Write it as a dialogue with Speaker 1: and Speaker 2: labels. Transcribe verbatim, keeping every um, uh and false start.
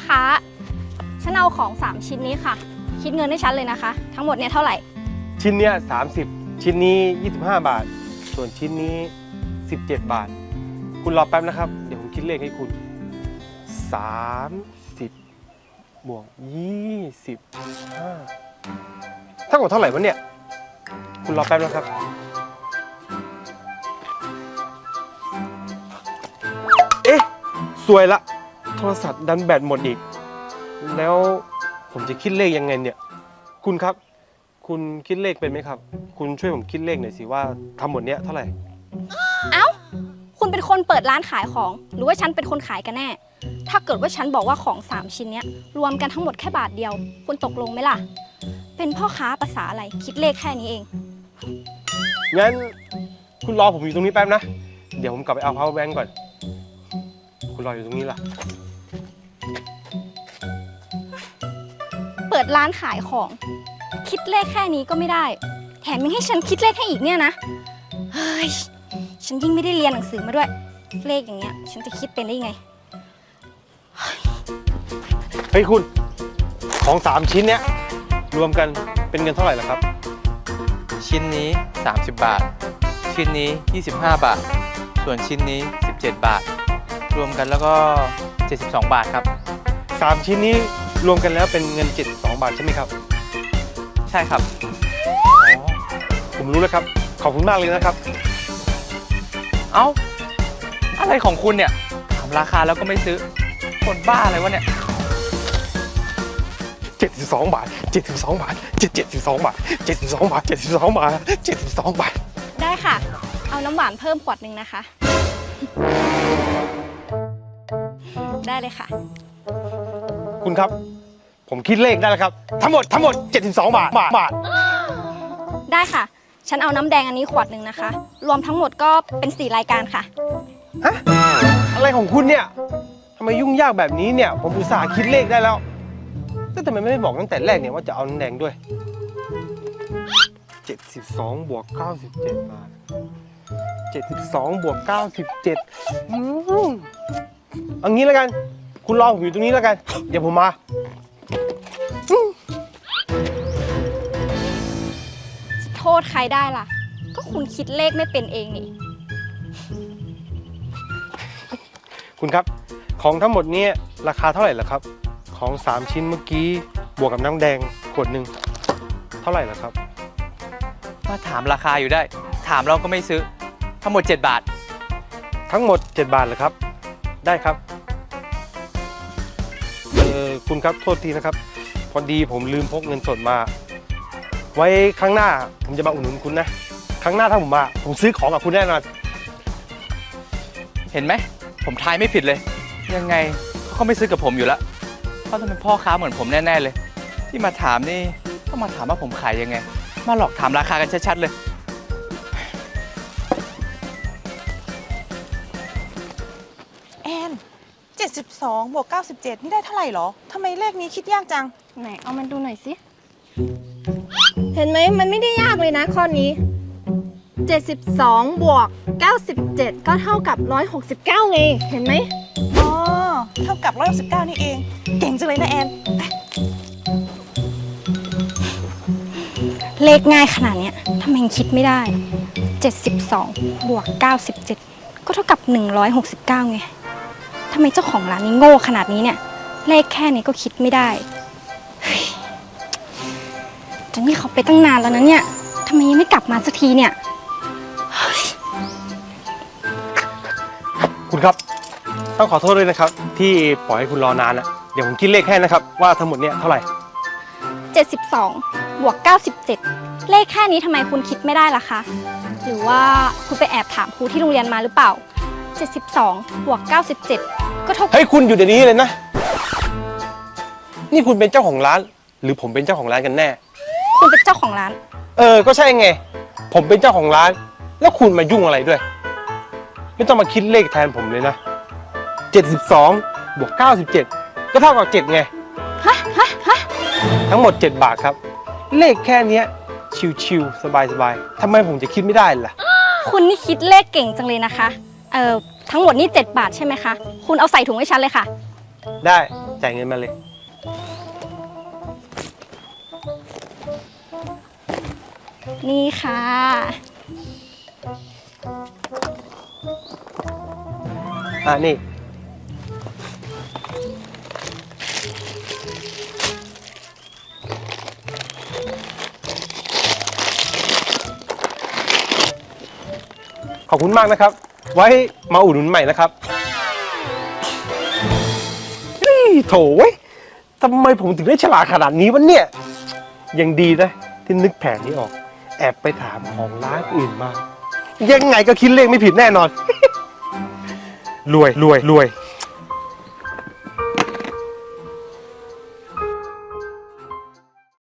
Speaker 1: ค้าฉันเอาของสามชิ้นนี้ค่ะคิดเงินให้ฉันเลยนะคะทั้งหมดเนี่ยเท่าไหร่
Speaker 2: ชิ้นเนี้ยสามสิบชิ้นนี้ยี่สิบห้าบาทส่วนชิ้นนี้สิบเจ็ดบาทคุณรอแป๊บนะครับเดี๋ยวผมคิดเลขให้คุณสามสิบบวกยี่สิบห้าเท่ากับเท่าไหร่วะเนี่ยคุณรอแป๊บนะครับเอ๊ะสวยละโทรศัพท์ดันแบตหมดอีกแล้วผมจะคิดเลขยังไงเนี่ยคุณครับคุณคิดเลขเป็นไหมครับคุณช่วยผมคิดเลขหน่อยสิว่าทั้งหมดเนี้ยเท่าไหร่
Speaker 1: เอ้าคุณเป็นคนเปิดร้านขายของหรือว่าฉันเป็นคนขายกันแน่ถ้าเกิดว่าฉันบอกว่าของสามชิ้นเนี้ยรวมกันทั้งหมดแค่บาทเดียวคุณตกลงไหมล่ะเป็นพ่อค้าภาษาอะไรคิดเลขแค่นี้เอง
Speaker 2: งั้นคุณรอผมอยู่ตรงนี้แป๊บนะเดี๋ยวผมกลับไปเอา power bank ก่อนคุณรออยู่ตรงนี้ล่ะ
Speaker 1: เปิดร้านขายของคิดเลขแค่นี้ก็ไม่ได้แถมยังให้ฉันคิดเลขให้อีกเนี่ยนะเฮ้ยฉันยิ่งไม่ได้เรียนหนังสือมาด้วยเลขอย่างเงี้ยฉันจะคิดเป็นได้ยังไง
Speaker 2: เฮ้ยคุณของสามชิ้นเนี้ยรวมกันเป็นเงินเท่าไหร่ล่ะครับ
Speaker 3: ชิ้นนี้สามสิบบาทชิ้นนี้ยี่สิบห้าบาทส่วนชิ้นนี้สิบเจ็ดบาทรวมกันแล้วก็เจ็ดสิบสองบาทครับ
Speaker 2: สามชิ้นนี้รวมกันแล้วเป็นเงินเจ็ดสิบสองบาทใช่ไหมครับ
Speaker 3: ใช่ครับ
Speaker 2: อ๋อผมรู้แล้วครับขอบคุณมากเลยนะครับ
Speaker 3: เอ้าอะไรของคุณเนี่ยถามราคาแล้วก็ไม่ซื้อคนบ้าอะไรวะเนี่ย
Speaker 2: เจ็ดสิบสองบาทเจ็ดสิบสองบาทเจ็ดเจ็ดสิบสองบาทเจ็ดสิบสองบาทเจ็ดสิบสองบาทเจ็ดสิบสองบาท
Speaker 1: ได้ค่ะเอาน้ำหวานเพิ่มขวดหนึ่งนะคะได้เลยค่ะ
Speaker 2: คุณครับผมคิดเลขได้แล้วครับทั้งหมดทั้งหมดเจ็ดสิบสองบาทบาท
Speaker 1: ได้ค่ะฉันเอาน้ำแดงอันนี้ขวดหนึ่งนะคะรวมทั้งหมดก็เป็นสี่รายการค่ะ
Speaker 2: ฮะอะไรของคุณเนี่ยทำไมยุ่งยากแบบนี้เนี่ยผมอุตส่าห์คิดเลขได้แล้วแต่ทำไมไม่บอกตั้งแต่แรกเนี่ยว่าจะเอาน้ำแดงด้วยเจ็ดสิบสองบวกเก้าสิบเจ็ดบาทเจ็ดสิบสองบวกเก้าสิบเจ็ดอืมเอางี้แล้วกันคุณรอผมอยู่ตรงนี้แล้วกันเดี๋ยวผมมา
Speaker 1: จะโทษใครได้ล่ะก็คุณคิดเลขไม่เป็นเองนี่
Speaker 2: คุณครับของทั้งหมดนี้ราคาเท่าไหร่ล่ะครับของสามชิ้นเมื่อกี้บวกกับน้ำแดงขวดหนึ่งเท่าไหร่ล่ะครับ
Speaker 3: มาถามราคาอยู่ได้ถามเราก็ไม่ซื้อทั้งหมดเจ็ดบาท
Speaker 2: ทั้งหมดเจ็ดบาทเหรอครับได้ครับเออคุณครับโทษทีนะครับพอดีผมลืมพกเงินสดมาไว้ครั้งหน้าผมจะมาอุดหนุนคุณนะครั้งหน้าถ้าผมมาผมซื้อของกับคุณแน่นอน
Speaker 3: เห็นไหมผมทายไม่ผิดเลยยังไงเขาก็ไม่ซื้อกับผมอยู่แล้วเขาต้องเป็นพ่อค้าเหมือนผมแน่ๆเลยที่มาถามนี่ก็มาถามว่าผมขายยังไงมาหลอกถามราคากันชัดๆเลย
Speaker 4: แอนเจ็ดสิบสองบวกเก้าสิบเจ็ดนี่ได้เท่าไหร่หรอทำไมเลขนี้คิดยากจัง
Speaker 1: ไหนเอามันดูหน่อยสิเห็นไหมมันไม่ได้ยากเลยนะข้อนี้เจ็ดสิบสองบวกเก้าสิบเจ็ดก็เท่ากับหนึ่งร้อยหกสิบเก้าไงเห็นไหม
Speaker 4: อ๋อเท่ากับหนึ่งร้อยหกสิบเก้านี่เองเก่งจังเลยนะแอน
Speaker 1: เลขง่ายขนาดนี้ทำไมยังคิดไม่ได้เจ็ดสิบสองบวกเก้าสิบเจ็ดก็เท่ากับหนึ่งร้อยหกสิบเก้าไงทำไมเจ้าของร้านนี้โง่ขนาดนี้เนี่ยเลขแค่นี้ก็คิดไม่ได้จนนี่เขาไปตั้งนานแล้วนะเนี่ยทำไมยังไม่กลับมาสักทีเนี่ย
Speaker 2: คุณครับต้องขอโทษด้วยนะครับที่ปล่อยให้คุณรอนานนะเดี๋ยวผมคิดเลขให้นะครับว่าทั้งหมดเนี่ยเท่าไหร่
Speaker 1: เจ็ดสิบสองบวกเก้าสิบเจ็ดเลขแค่นี้ทำไมคุณคิดไม่ได้ล่ะคะหรือว่าคุณไปแอบถามครูที่โรงเรียนมาหรือเปล่าเจ็ดสิบสองบวกเก้าสิบเจ็ดก็เท่ากับ
Speaker 2: เฮ้ยคุณอยู่เดี๋ยวนี้เลยนะนี่คุณเป็นเจ้าของร้านหรือผมเป็นเจ้าของร้านกันแน่
Speaker 1: คุณเป็นเจ้าของร้าน
Speaker 2: เออก็ใช่ไงผมเป็นเจ้าของร้านแล้วคุณมายุ่งอะไรด้วยไม่ต้องมาคิดเลขแทนผมเลยนะเจ็ดสิบสองบวกเก้าสิบเจ็ดก็เท่ากับเจ็ดไง
Speaker 1: ฮะฮะฮะ
Speaker 2: ทั้งหมดเจ็ดบาทครับเลขแค่นี้ชิวๆสบายๆทำไมผมจะคิดไม่ได้ล่ะ
Speaker 1: คุณนี่คิดเลขเก่งจังเลยนะคะเอ่อทั้งหมดนี่เจ็ดบาทใช่ไหมคะคุณเอาใส่ถุงให้ฉันเลยค่ะ
Speaker 2: ได้จ่ายเงินมาเลย
Speaker 1: นี่ค่ะ
Speaker 2: อ่านี่ ขอบคุณมากนะครับ ไว้มาอุดหนุนใหม่นะครับเฮ้ยโถเว้ยทำไมผมถึงได้ฉลาดขนาดนี้วะเนี่ย ยังดีนะ ที่นึกแผนนี้ออก แอบไปถามของร้านอื่นมา ยังไงก็คิดเลขไม่ผิดแน่นอน รวยรวยรวย